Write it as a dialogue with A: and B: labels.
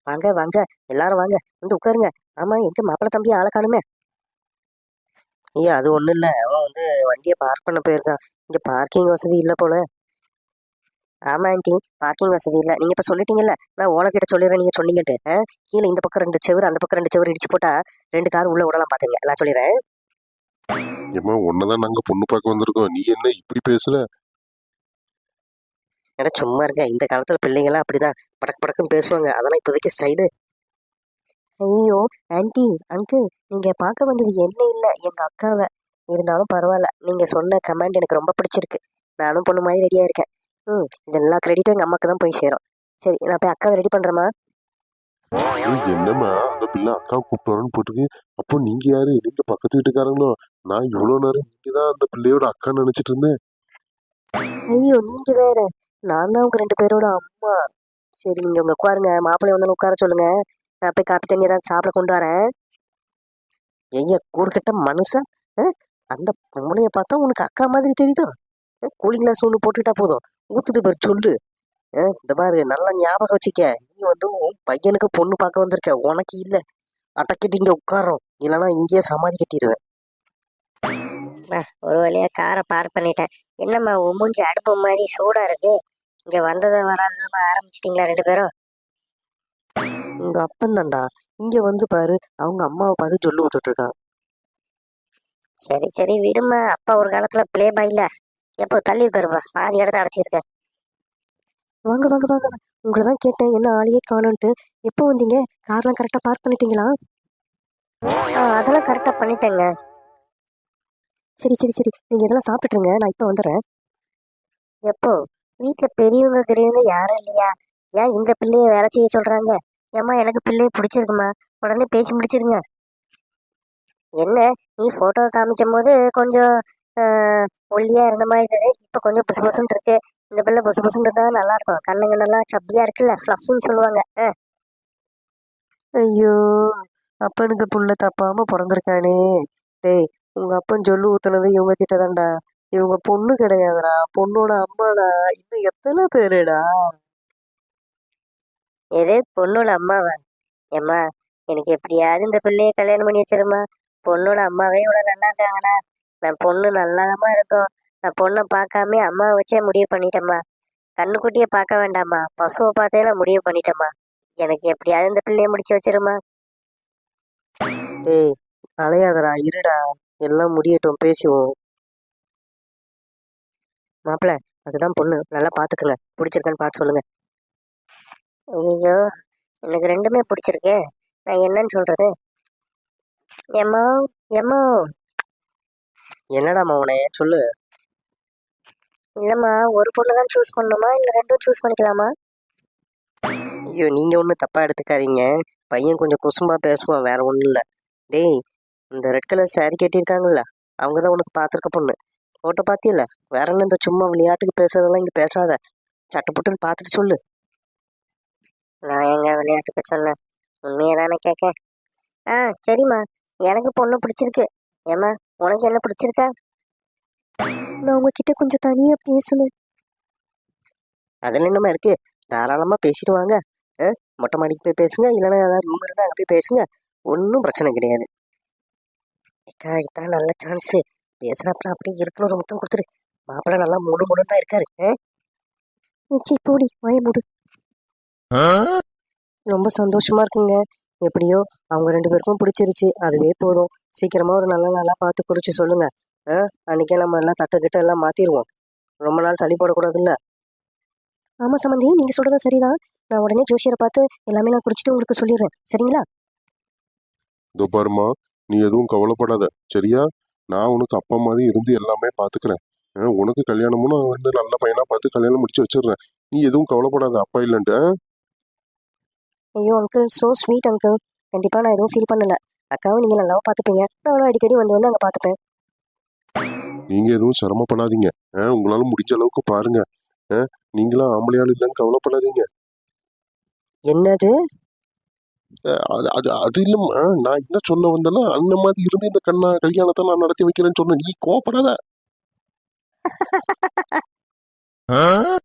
A: வாங்க வாங்க, எல்லாரும் வாங்க, வந்து உட்காருங்க. ஆமா, எங்க மாப்பிள்ளை தம்பி ஆளை காணுமே? ஐயா, அது ஒண்ணும் இல்ல, அவன் வந்து வண்டியை பார்க் பண்ண போயிருக்கான். இங்க பார்க்கிங் வசதி இல்ல போல. ஆமா ஆண்டி, பார்க்கிங் வசதி இல்ல. நீங்க இப்ப சொல்லிட்டீங்கல்ல, நான் ஓனர்கிட்ட சொல்லிடுறேன். நீங்க சொன்னீங்கட்டு கீழே இந்த பக்கம் 2 செவுரு, அந்த பக்கம் 2 செவுரு இடிச்சு போட்டா 2 கார் உள்ள விடலாம் பாத்துங்க. நான் சொல்லிடுறேன்.
B: ஏம்மா உன்னதான் நாங்க பொண்ணு பார்க்க வந்திருக்கோம், நீ என்ன இப்படி பேசுற?
A: ஏன்னா சும்மா இருக்க, இந்த காலத்துல பிள்ளைங்களாம் அப்படிதான் படக்கு படக்குன்னு பேசுவாங்க. அதெல்லாம் இப்போதைக்கு ஸ்டைலு. ஐயோ ஆன்ட்டி, அங்கிள், நீங்க பார்க்க வந்தது என்ன இல்ல, எங்க அக்காவை. இருந்தாலும் பரவாயில்ல, நீங்க சொன்ன கமெண்ட் எனக்கு ரொம்ப பிடிச்சிருக்கு. நானும் பொண்ணு மாதிரி ரெடியா இருக்கேன். இது எல்லா கிரெடிட்டும் எங்க அம்மாக்கு தான் போய் சேரும். சரி, நான் போய் அக்காவை ரெடி பண்றேம்மா.
B: என்னம்மா அந்த பிள்ளை அக்கா கூப்பிட்டு வரேன்னு போட்டுருக்கு. அப்போ நீங்க யாரு? நீங்க பக்கத்து வீட்டுக்காரங்களோ? நான் இவ்வளவு நேரம் நீங்க தான் அந்த பிள்ளையோட அக்கா நினைச்சிட்டு இருந்தேன்.
A: ஐயோ, நீங்க வேற. நான் தான் உங்க 2 பேரோட அம்மா. சரி, நீங்க உங்க உட்காருங்க. மாப்பிள்ளை வந்து உட்கார சொல்லுங்க. நான் போய் காப்பி தண்ணி ஏதாவது சாப்பிட கொண்டு வரேன். ஐயா, கூறுகிட்ட மனுஷன். அந்த பொம்பளைய பார்த்தா உனக்கு அக்கா மாதிரி தெரியுதோ? கூலிங் கிளாஸ் ஒன்று போட்டுக்கிட்டா போதும், ஊத்துது பேர் சொல்லு. இந்த பாரு, நல்லா ஞாபகம் வச்சுக்க. நீ வந்து உன் பையனுக்கு பொண்ணு பார்க்க வந்திருக்க, உனக்கு இல்ல. அடக்கிட்டு இங்க உட்காரோம், இல்லைன்னா இங்கேயே சமாதி கட்டிடுவேன். ஒரு வழியா காரை பார்க் பண்ணிட்டேன். என்னம்மா உன் மூஞ்சி அடுப்பு மாதிரி சூடா இருக்கு? இங்க வந்ததை வராதமா ஆரம்பிச்சிட்டீங்களா 2 பேரும்? உங்க அப்பன் தான்டா. இங்க வந்து பாரு, அவங்க அம்மாவை பார்த்து சொல்லு விட்டுட்டு இருக்கான். சரி சரி விடுமா, அப்பா ஒரு காலத்துல பிளே பாய்ல. எப்போ தள்ளி உட்காருப்பா, பாதி இடத்த அடைச்சிருக்கேன். வாங்க வாங்க வாங்க, உங்களை தான் கேட்டேன், என்ன ஆளையே காணோன்ட்டு. எப்போ வந்தீங்க? கார்லாம் கரெக்டா பார்க் பண்ணிட்டீங்களா? அதெல்லாம் கரெக்டா பண்ணிட்டேங்க. சரி சரி சரி, நீங்க இதெல்லாம் சாப்பிட்டுருங்க, நான் இப்ப வந்துடுறேன். எப்போ? வீட்டுல பெரியவங்க பெரியவங்க யாரும் இல்லையா? ஏன் இந்த பிள்ளைய வேலை செய்ய சொல்றாங்க? ஏம்மா, எனக்கு பிள்ளைய பிடிச்சிருக்குமா, உடனே பேசி முடிச்சிருங்க. என்ன, நீ போட்டோ காமிக்கும் போது கொஞ்சம் ஒல்லியா இருந்த மாதிரி இருக்குது, இப்ப கொஞ்சம் புசு புசுன்னு இருக்கு. இந்த பிள்ளை புசு புசுன்னு இருந்தா நல்லா இருக்கும், கண்ணுங்க நல்லா சப்பியா இருக்குல்ல, ஃப்ளஃப்னு சொல்லுவாங்க. ஐயோ, அப்பனுக்கு புள்ள தப்பாம பிறந்திருக்கானே. டேய், உங்க அப்பன் சொல்லு ஊத்துனது இவங்க கிட்ட தான்டா. இவங்க பொண்ணு கிடையாதுடா, பொண்ணோட அம்மாடா. இன்னும் எத்தனை பேருடா? எது பொண்ணோட அம்மாவா? ஏம்மா, எனக்கு எப்படியாவது இந்த பிள்ளைய கல்யாணம் பண்ணி வச்சிருமா. பொண்ணோட அம்மாவே இவ்வளவு நல்லா இருக்காங்கடா. நான் பொண்ணு நல்லாதாம்மா இருக்கும். நான் பொண்ணை பார்க்காம அம்மாவை வச்சே முடிவு பண்ணிட்டேம்மா. கண்ணுக்குட்டியை பார்க்க வேண்டாம்மா, பசுவை பார்த்தே நான் முடிவு பண்ணிட்டேம்மா. எனக்கு எப்படியாவது இந்த பிள்ளைய முடிச்சு வச்சிருமா. ஏய், அலையாதடா, இருடா, எல்லாம் முடியட்டும், பேசுவோம். மாப்பிள்ள, அதுதான் பொண்ணு, நல்லா பாத்துக்கங்க. பிடிச்சிருக்கான்னு பார்த்து சொல்லுங்க. ஐயோ, எனக்கு 2மே பிடிச்சிருக்கு. நான் என்னன்னு சொல்றது? ஏம்மா, ஏம்மா. என்னடா மவனே, சொல்லு. இல்லம்மா, ஒரு பொண்ணு தான் சூஸ் பண்ணணுமா, இல்ல 2ம் சூஸ் பண்ணிக்கலாமா? ஐயோ, நீங்க ஒன்றும் தப்பா எடுத்துக்காதீங்க. பையன் கொஞ்சம் குசும்பா பேசுவான், வேற ஒன்றும் இல்லை. டேய், இந்த ரெட் கலர் saree கட்டியிருக்காங்கல்ல, அவங்க தான் உனக்கு பார்த்துருக்க பொண்ணு. போட்டோ பார்த்தியல்ல? வேற என்ன, இந்த சும்மா விளையாட்டுக்கு பேசுறதெல்லாம் இங்க பேசாத. சட்டுப்புட்டுன்னு பார்த்துட்டு சொல்லு. நான் எங்க விளையாட்டுக்கு சொன்னேன், உண்மையை தானே கேட்க. சரிம்மா, எனக்கு பொண்ணு பிடிச்சிருக்கு. ஏம்மா, உனக்கு என்ன பிடிச்சிருக்கா? நான் உங்ககிட்ட கொஞ்சம் தனியா பேசணும். அதில் என்னமா இருக்கு, தாராளமா பேசிட்டு வாங்க. மொட்டை மாடிக்கு போய் பேசுங்க, இல்லைன்னா ஏதாவது ரூம் இருந்தா அங்கே போய் பேசுங்க. ஒன்றும் பிரச்சனை கிடையாது. அக்கா, இதான் நல்ல சான்ஸ். பேசுறாப்புல அப்படியே இருக்கணும், ஒரு முத்தம் கொடுத்துரு. மாப்பிள்ளை நல்லா மூடு மூடுன்னு தான் இருக்காரு. போடி, வாய மூடு. ரொம்ப சந்தோஷமா இருக்குங்க. எப்படியோ அவங்க 2 பேருக்கும் பிடிச்சிருச்சு, அதுவே போதும். சீக்கிரமா ஒரு நல்ல நாளா பார்த்து குறிச்சு சொல்லுங்க. அன்னைக்கே நம்ம எல்லாம் தட்டுக்கிட்ட எல்லாம் மாத்திடுவோம். ரொம்ப நாள் தள்ளி போடக்கூடாதுல்ல. ஆமா சம்பந்தி, நீங்க சொல்றது சரிதான். நான் உடனே ஜோசியரை பார்த்து எல்லாமே நான் குறிச்சிட்டு உங்களுக்கு சொல்லிடுறேன், சரிங்களா?
B: இதோ பாருமா, நீ எதுவும் கவலைப்படாத, சரியா? நான் உனக்கு அப்பா மாதிரி இருந்து எல்லாமே பாத்துக்கிறேன். உனக்கு கல்யாணமும் நான் வந்து நல்ல பையனா பார்த்து கல்யாணம் முடிச்சு வச்சிடுறேன். நீ எதுவும் கவலைப்படாத, அப்பா இல்லைன்ட்டு.
A: ஐயோ அங்கிள், சோ ஸ்வீட் அங்கிள். கண்டிப்பா நான் எதுவும் ஃபீல் பண்ணல. அக்காவும் நீங்க நல்லாவா பார்த்துப்பீங்க, நானும் அடிக்கடி வந்து வந்து அங்க பார்த்துப்பேன்.
B: நீங்க எதுவும் சிரமப்படாதீங்க. உங்களால முடிஞ்ச அளவுக்கு பாருங்க. நீங்களும் ஆம்பளையாள் இல்லைன்னு கவலைப்படாதீங்க.
A: என்னது?
B: அது அது அது இல்லம்மா, நான் என்ன சொல்ல வந்தேன்னா, அந்த மாதிரி இருந்து இந்த கல்யாணத்தை நான் நடத்தி வைக்கிறேன்னு சொன்னேன், நீ கோவப்படாத.